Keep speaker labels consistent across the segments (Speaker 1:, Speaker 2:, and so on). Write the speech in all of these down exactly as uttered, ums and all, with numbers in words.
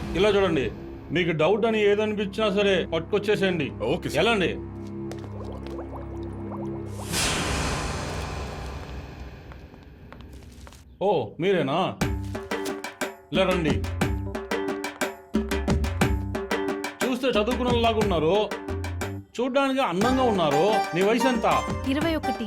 Speaker 1: ఇలా చూడండి, మీకు డౌట్ అని ఏదనిపించినా సరే పట్టుకొచ్చేసేయండి.
Speaker 2: Okay sir.
Speaker 1: ఎలాండి? ఓ మీరేనా? ఇలా రండి. చూస్తే చదువుకున్నలాగా ఉన్నారు, చూడ్డానికి అందంగా ఉన్నారు. నీ వయసు ఎంత?
Speaker 3: ఇరవై ఒకటి.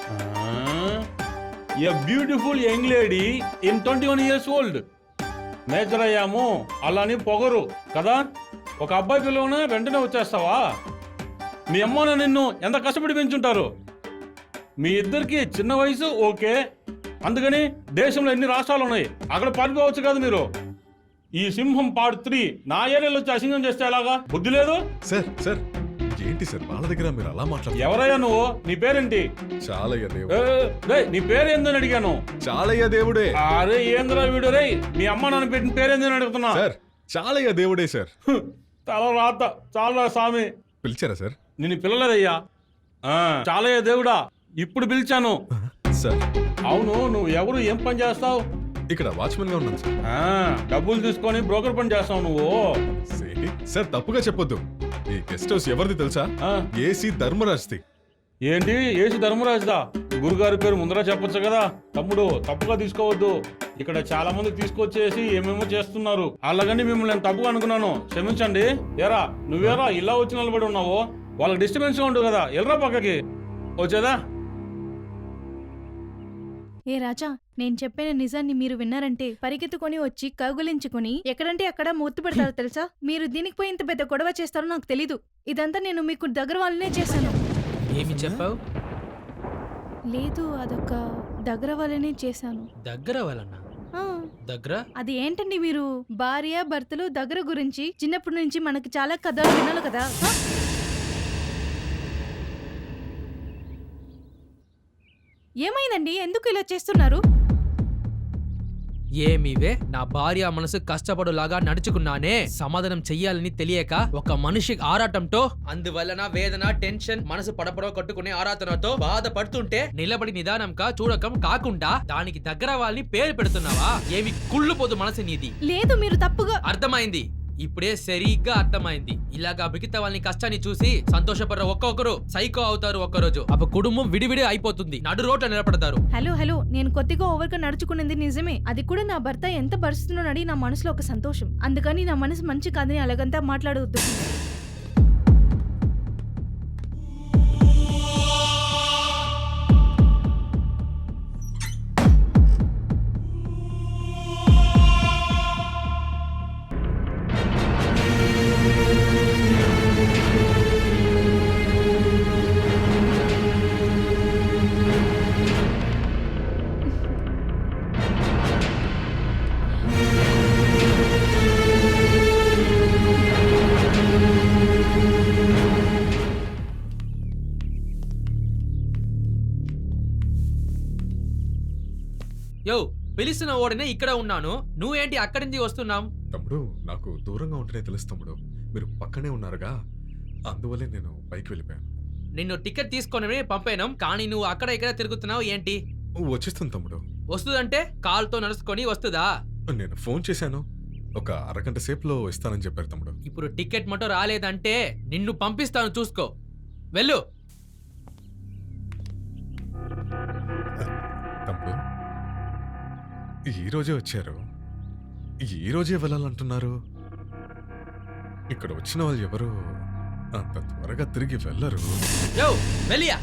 Speaker 1: A beautiful young lady in twenty one years old. Major అయ్యాము అలాని పొగరు కదా. ఒక అబ్బాయి పిల్లవనే వెంటనే వచ్చేస్తావా? మీ అమ్మ నిన్ను ఎంత కష్టపడి పెంచుంటారు. మీ ఇద్దరికి చిన్న వయసు ఓకే, అందుకని దేశంలో ఎన్ని రాష్ట్రాలు ఉన్నాయి, అక్కడ పారిపోవచ్చు కదా మీరు. ఈ సింహం పార్ట్ త్రీ నా ఏరియాలో వచ్చి అసింగం చేస్తే ఎలాగా? బుద్ధి లేదు
Speaker 2: సార్. సార్ ఏంటి సార్ వాళ్ళ దగ్గర మీరు అలా మాట్లాడుతున్నారు?
Speaker 1: ఎవరయ్యా నువ్వు? నీ పేరేంటి?
Speaker 2: చాలయ్య దేవుడు.
Speaker 1: ఏ, రేయ్, నీ పేరేందని అడిగాను.
Speaker 2: చాలయ్య దేవుడే.
Speaker 1: అరే ఏంద్రా వీడు రే, మీ అమ్మ నాన్న పెట్టిన పేరేందని అడుగుతున్నా.
Speaker 2: సార్ చాలయ్య దేవుడే సార్.
Speaker 1: తల రాత చాలా స్వామి.
Speaker 2: పిలిచారా సార్?
Speaker 1: నిన్ను పిల్లలేదయ్యా. చాలయ్య దేవుడా, ఇప్పుడు పిలిచాను.
Speaker 2: సార్
Speaker 1: అవును, నువ్వు ఎవరు, ఏం పని చేస్తావు?
Speaker 2: ఇక్కడ వాచ్మెన్ గా ఉన్నాను సార్.
Speaker 1: డబ్బులు తీసుకొని బ్రోకర్ పని చేస్తావు నువ్వు.
Speaker 2: ఏంటి సార్ తప్పుగా చెప్పొద్దు. ఈ గెస్ట్ హౌస్ ఎవరిది తెలుసా?
Speaker 1: ఆ,
Speaker 2: ఏసీ ధర్మరాజ్ది.
Speaker 1: ఏంటి ఏసి ధర్మరాజుదా? గురుగారి పేరు ముందర చెప్పొచ్చు కదా. తమ్ముడు తప్పుగా తీసుకోవద్దు. ఇక్కడ చాలా మంది తీసుకొచ్చేసి ఏమేమో చేస్తున్నారు. అలాగని మిమ్మల్ని నేను తప్పుగా అనుకున్నాను, క్షమించండి. ఏరా నువ్వేరా ఇలా వచ్చి నిలబడి ఉన్నావు? వాళ్ళకి డిస్టర్బెన్స్ గా ఉండదు కదా, ఎల్రా పక్కకి. వచ్చేదా?
Speaker 3: ఏ రాజా, నేను చెప్పిన నిజాన్ని మీరు విన్నారంటే పరిగెత్తుకొని వచ్చి కౌగులించుకుని ఎక్కడంటే అక్కడ మూర్తి పెడతారు తెలుసా. మీరు దీనికి పోయి ఇంత పెద్ద గొడవ చేస్తారో నాకు తెలీదు. ఇదంతా నేను మీకు దగ్గర వాళ్ళనే చేశాను.
Speaker 4: ఏమి చెప్పావు?
Speaker 3: లేదు, అదొక దగ్గర వాళ్ళనే చేశాను.
Speaker 4: దగ్గర వాళ్ళన్న
Speaker 3: ఆ,
Speaker 4: దగ్గర
Speaker 3: అది ఏంటండి మీరు భార్య భర్తలు దగ్గర గురించి చిన్నప్పటి నుంచి మనకి చాలా కథలు వినాలి కదా. ఆ? ఏమైందండి, ఎందుకు ఇలా చేస్తున్నారు?
Speaker 4: ఏమివే, నా భార్య మనసు కష్టపడులాగా నడుచుకున్నానే సమాధానం చెయ్యాలని తెలియక ఒక మనిషి ఆరాటంతో, అందువలన వేదన టెన్షన్ మనసు పడపడవ కట్టుకునే ఆరాటనతో బాధపడుతుంటే నిలబడి నిదానంగా చూడకం కాకుండా దానికి దగ్గర వాళ్ళని పేరు పెడుతున్నావా? ఏమి కుళ్ళుపోదు మనసు నీది.
Speaker 3: లేదు, మీరు తప్పుగా.
Speaker 4: అర్థమైంది, ఇప్పుడే సరిగ్గా అర్థమైంది. ఇలాగా మిగతా వాళ్ళని కష్టాన్ని చూసి సంతోషపడ్డ ఒక్కొక్కరు సైకో అవుతారు. ఒక్కరోజు అప్పుడు కుటుంబం విడివిడి అయిపోతుంది, నడు రోడ్ల నిలబడతారు.
Speaker 3: హలో హలో నేను కొద్దిగా ఓవర్గా నడుచుకున్నది నిజమే. అది కూడా నా భర్త ఎంత భరిస్తున్నాడని నా మనసులో ఒక సంతోషం. అందుకని నా మనసు మంచి కాదని అలాగంతా మాట్లాడవద్దు.
Speaker 4: యో, పిలిచిన ఓడనే ఇక్కడ ఉన్నాను, నువ్వేంటి అక్కడి నుంచి వస్తున్నావు?
Speaker 2: తమ్ముడు నాకు దూరంగా ఉంటేనే తెలుసు తమ్ముడు, మీరు పక్కనే ఉన్నారుగా, అందువల్లే నేను పైకి వెళ్ళిపోయాను.
Speaker 4: నిన్ను టికెట్ తీసుకొని పంపాను, కానీ నువ్వు అక్కడ ఇక్కడ తిరుగుతున్నావు ఏంటి?
Speaker 2: వచ్చేస్తాను తమ్ముడు.
Speaker 4: వస్తుందంటే కాల్తో నడుచుకొని వస్తుందా?
Speaker 2: నేను ఫోన్ చేశాను, ఒక అరగంట సేపులో ఇస్తానని చెప్పారు తమ్ముడు.
Speaker 4: ఇప్పుడు టికెట్ మటో రాలేదంటే నిన్ను పంపిస్తాను, చూసుకో. వెళ్ళు.
Speaker 2: తమ్ముడు ఈ రోజే వచ్చారు, ఈ రోజే వెళ్ళాలంటున్నారు. ఇక్కడ వచ్చిన వాళ్ళు ఎవరు అంత త్వరగా తిరిగి వెళ్ళరు.
Speaker 4: యో, వెళ్ళియా.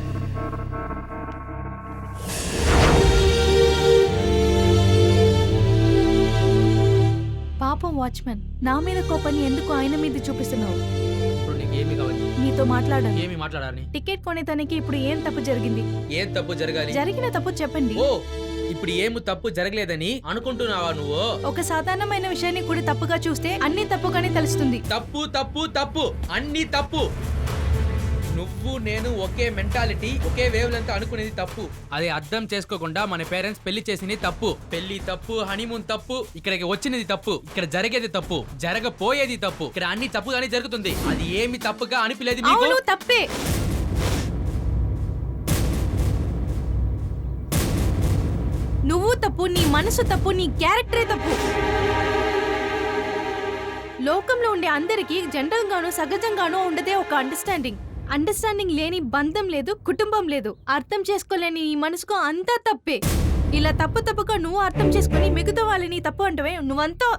Speaker 3: పాపం వాచ్మెన్, నా మీద కోపాన్ని ఎందుకు ఆయన మీద చూపిస్తున్నావు?
Speaker 4: ఇప్పుడు నీకేమి కావాలి?
Speaker 3: నీతో మాట్లాడాలి.
Speaker 4: ఏమి మాట్లాడాలి?
Speaker 3: టికెట్ కొనేదానికి ఇప్పుడు ఏం తప్పు జరిగింది?
Speaker 4: ఏం తప్పు జరగాలి?
Speaker 3: జరిగిన తప్పు చెప్పండి.
Speaker 4: ఓ, ఇప్పుడు ఏమి తప్పు జరగలేదని అనుకుంటున్నావా నువ్వు?
Speaker 3: ఒక సాధారణమైన విషయాన్ని కూడా తప్పుగా చూస్తే అన్ని తప్పుగానే తెలుస్తుంది.
Speaker 4: తప్పు తప్పు తప్పు అన్ని తప్పు. నువ్వు నేను ఒకే మెంటాలిటీ, ఒకే వేవ్ లెంత్ అనుకునేది తప్పు. అది అర్థం చేసుకోకుండా మన పేరెంట్స్ పెళ్లి చేసింది తప్పు. పెళ్లి తప్పు, హనీమూన్ తప్పు, ఇక్కడికి వచ్చినది తప్పు, ఇక్కడ జరిగేది తప్పు, జరగపోయేది తప్పు. ఇక్కడ అన్ని తప్పుగానే జరుగుతుంది. అది ఏమి తప్పుగా అనిపించలేదు మీకు?
Speaker 3: అవును, తప్పే. నువ్వు తప్పు, నీ మనసు తప్పు, నీ క్యారెక్టరే తప్పు. లోకంలో ఉండే అందరికీ జనరల్ గానో సహజంగానో ఉండదే ఒక అండర్స్టాండింగ్. అండర్స్టాండింగ్ లేని బంధం లేదు, కుటుంబం లేదు. అర్థం చేసుకోలేని ఈ మనసుకు అంతా తప్పే. ఇలా తప్పు తప్పుగా నువ్వు అర్థం చేసుకుని మిగతా వాళ్ళని తప్పు అంటవే, నువ్వంతా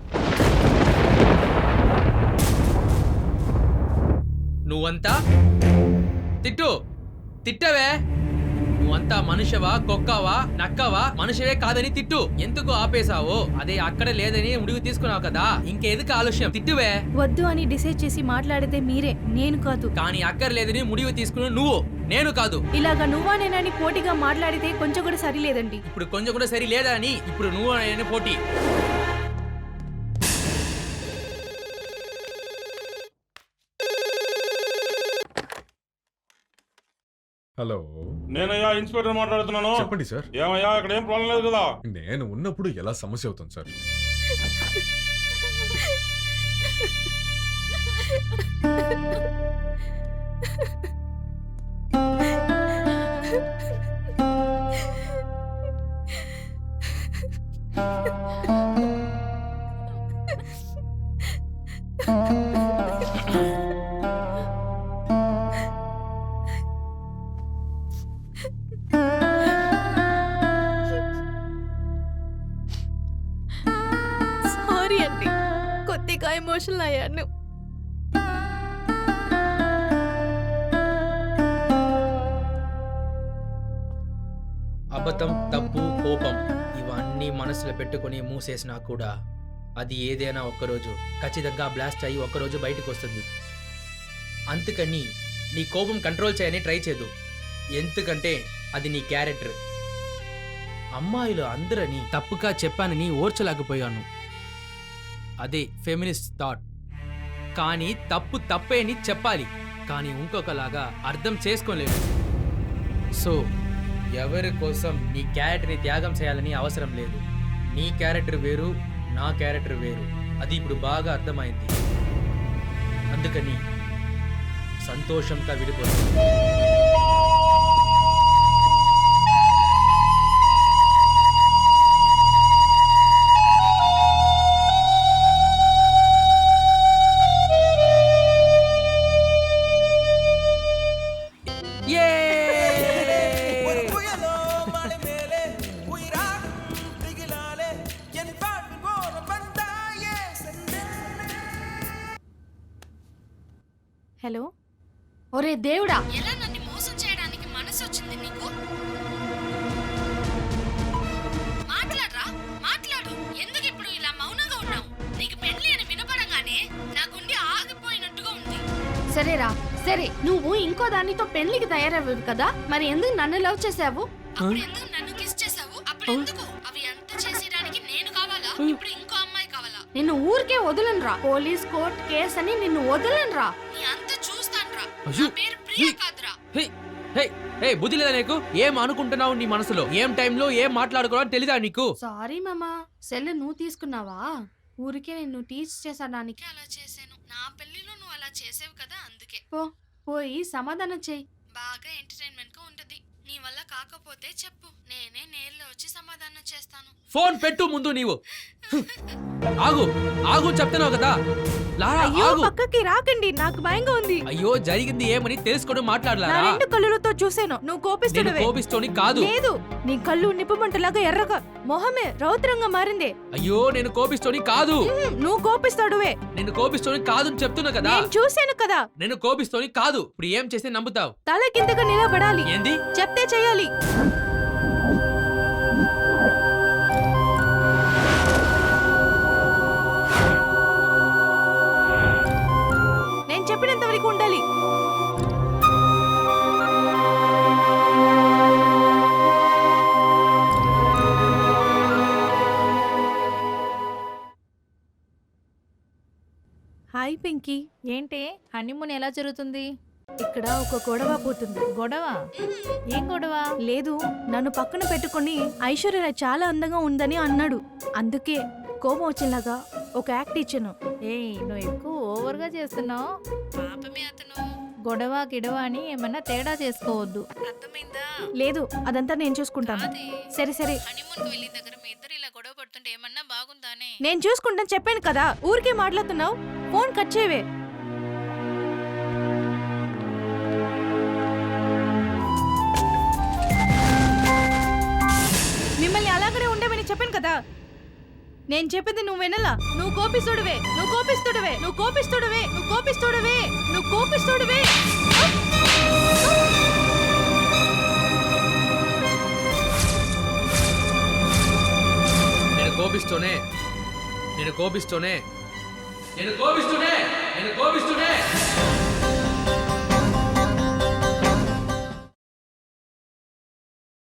Speaker 4: నువ్వంతా తిట్టు తిట్టవే. నువ్వంతా మనుషవా, కుక్కవా, నక్కవా, మనుషవే కాదని తిట్టు. ఎందుకు ఆపేశావో అదే అక్కడ లేదని ముడివి తీసుకున్నావు కదా, ఇంకెందుకు ఆలస్యం? తిట్టువే.
Speaker 3: వద్దు అని డిసైడ్ చేసి మాట్లాడితే మీరే, నేను కాదు.
Speaker 4: కానీ అక్కర్లేదని ముడివి తీసుకుని నువ్వు, నేను కాదు.
Speaker 3: ఇలాగా నువ్వా నేనని పోటీగా మాట్లాడితే కొంచెం కూడా సరిలేదండి.
Speaker 4: ఇప్పుడు కొంచెం కూడా సరి లేదా అని ఇప్పుడు నువ్వు నేను పోటీ.
Speaker 2: హలో,
Speaker 1: నేనయ్యా ఇన్స్పెక్టర్ మాట్లాడుతున్నాను.
Speaker 2: చెప్పండి సార్.
Speaker 1: ఏమయ్యా ఇక్కడ ఏం ప్రాబ్లం లేదు కదా?
Speaker 2: నేను ఉన్నప్పుడు ఎలా సమస్య అవుతుంది సార్?
Speaker 3: సారీ అండి, కొద్దిగా ఎమోషనల్ అయ్యాను.
Speaker 4: అబద్ధం, తప్పు, కోపం ఇవన్నీ మనసులో పెట్టుకొని మూసేసినా కూడా అది ఏదైనా ఒక్కరోజు ఖచ్చితంగా బ్లాస్ట్ అయ్యి ఒక్కరోజు బయటకు వస్తుంది. అందుకని నీ కోపం కంట్రోల్ చేయని ట్రై చేయదు, ఎందుకంటే అది నీ క్యారెక్టర్. అమ్మాయిలు అందరని తప్పుగా చెప్పానని ఓర్చలేకపోయాను, అదే ఫెమినిస్ట్ థాట్. కానీ తప్పు తప్పే అని చెప్పాలి, కానీ ఇంకొకలాగా అర్థం చేసుకోలేదు. సో ఎవరి కోసం నీ క్యారెక్టర్ని త్యాగం చేయాలని అవసరం లేదు. నీ క్యారెక్టర్ వేరు, నా క్యారెక్టర్ వేరు, అది ఇప్పుడు బాగా అర్థమైంది. అందుకని సంతోషంగా విడిపోతుంది.
Speaker 3: హలో,
Speaker 5: ఒరే దేవుడా,
Speaker 3: ఎలా నన్ను మోసం చేయడానికి మనసు వచ్చింది నీకు? మాట్లాడరా, మాట్లాడు. ఎందుకు ఇప్పుడు ఇలా మౌనంగా ఉన్నావు? నీకు పెళ్లి అని వినపడంగానే నా గుండె ఆగిపోయినట్టుగా ఉంది.
Speaker 5: సరేరా సరే, నువ్వు ఇంకో దానితో పెళ్లికి తయారవ్వవు కదా, మరి ఎందుకు నన్ను లవ్ చేసావు?
Speaker 3: అప్పుడు ఎందుకు నన్ను కిస్ చేసావు? అప్పుడు ఎందుకు? అవి అంతా చేసేయడానికి నేను కావాలా? ఇప్పుడు ఇంకో అమ్మాయి కావాలా?
Speaker 5: నిన్ను ఊరికే వదలనురా. పోలీస్ కోర్ట్ కేసు అని నిన్ను వదలనురా.
Speaker 3: నీ అంతా చూస్తానురా.
Speaker 4: అయ్యో.
Speaker 3: నా పేరు ప్రియా కాదురా.
Speaker 4: హే హే హే బుద్ధి లేదా నీకు? ఏం అనుకుంటున్నావు నీ మనసులో? ఏం టైంలో ఏం మాట్లాడుకోవాలని తెలీదా నీకు?
Speaker 5: సారీ మామా, సెల్ నువ్వు తీసుకున్నావా? ఊరికే నిన్ను టీచ్ చేసడానికి
Speaker 3: అలా చేశాను. నా పెళ్లిలో నువ్వు అలా చేసావు కదా, అందుకే.
Speaker 5: పో పోయి సమాధానం చెయ్యి.
Speaker 3: బాగా ఎంటర్టైన్మెంట్ గా ఉంటది. నీ వల్ల కాకపోతే చెప్పు, నేనే నేర్లో వచ్చి సమాధానం చేస్తాను.
Speaker 4: ఫోన్ పెట్టు ముందు. నీవు ఆగు ఆగు చెప్తున్నావు కదా. లారా
Speaker 3: అయ్యో,
Speaker 4: ఆగు.
Speaker 3: పక్కకి రాకండి, నాకు భయంగా ఉంది.
Speaker 4: అయ్యో జరిగింది ఏమని తెలుసుకొని
Speaker 3: నా
Speaker 4: మాట్లాడలారా?
Speaker 3: రెండు కళ్ళులతో చూసాను, నువ్వు
Speaker 4: నేను
Speaker 3: కోపిస్తుడవే.
Speaker 4: కోపిస్తోని కాదు.
Speaker 3: లేదు, నీ కళ్ళు నిప్పుమంటలాగా ఎర్రగా, మొహమే రౌద్రంగా మారిందే.
Speaker 4: అయ్యో నేను కోపిస్తోని కాదు.
Speaker 3: ఉహుం, నువ్వు కోపిస్తాడువే.
Speaker 4: నేను కోపిస్తోని కాదు అని చెప్తున్నా కదా.
Speaker 3: నేను చూశాను కదా.
Speaker 4: నేను కోపిస్తోని కాదు. ఇప్పుడు ఏం చేస్తే నమ్ముతావు?
Speaker 3: తల కిందగా నిలబడాలి.
Speaker 4: ఏంది?
Speaker 3: చెప్తే చెయ్యాలి. నేను చెప్పినంత వరకు ఉండాలి. హాయ్ పింకీ.
Speaker 6: ఏంటి హనీమూన్ ఎలా జరుగుతుంది?
Speaker 3: ఇక్కడ ఒక గొడవ పోతుంది.
Speaker 6: గొడవ? ఏం గొడవ?
Speaker 3: లేదు, నన్ను పక్కన పెట్టుకుని ఐశ్వర్య రాయ్ చాలా అందంగా ఉందని అన్నాడు. అందుకే కోపం వచ్చేలాగా ఒక యాక్ట్ ఇచ్చాను.
Speaker 6: ఏయ్ నువ్వు ఎక్కువ ఓవర్గా చేస్తున్నావు.
Speaker 3: పాపమే అతను.
Speaker 6: గొడవ గిడవ అని ఏమన్నా తేడా చేసుకోవద్దు.
Speaker 3: అర్థమైందా? లేదు, అదంతా నేను చూసుకుంటాను. సరే సరే.
Speaker 7: వెళ్ళిన దగ్గర మీ ఇద్దరు ఇలా గొడవ పడుతుంటే ఏమన్నా బాగుందానే?
Speaker 3: నేను చూసుకుంటాను చెప్పాను కదా, ఊరికే మాట్లాడుతున్నావు. కట్ చేయవే. మిమ్మల్ని అలాగనే ఉండమని చెప్పాను కదా. నేను చెప్పింది నువ్వు వినలా. నువ్వు కోపిస్తుడివే, నువ్వు కోపిస్తుడివే, నువ్వు కోపిస్తుడివే, నువ్వు కోపిస్తుడివే, నువ్వు కోపిస్తుడివే.
Speaker 4: నేను కోపిస్తూనే నేను కోపిస్తూనే నేను కోపిస్తూనే నేను కోపిస్తూనే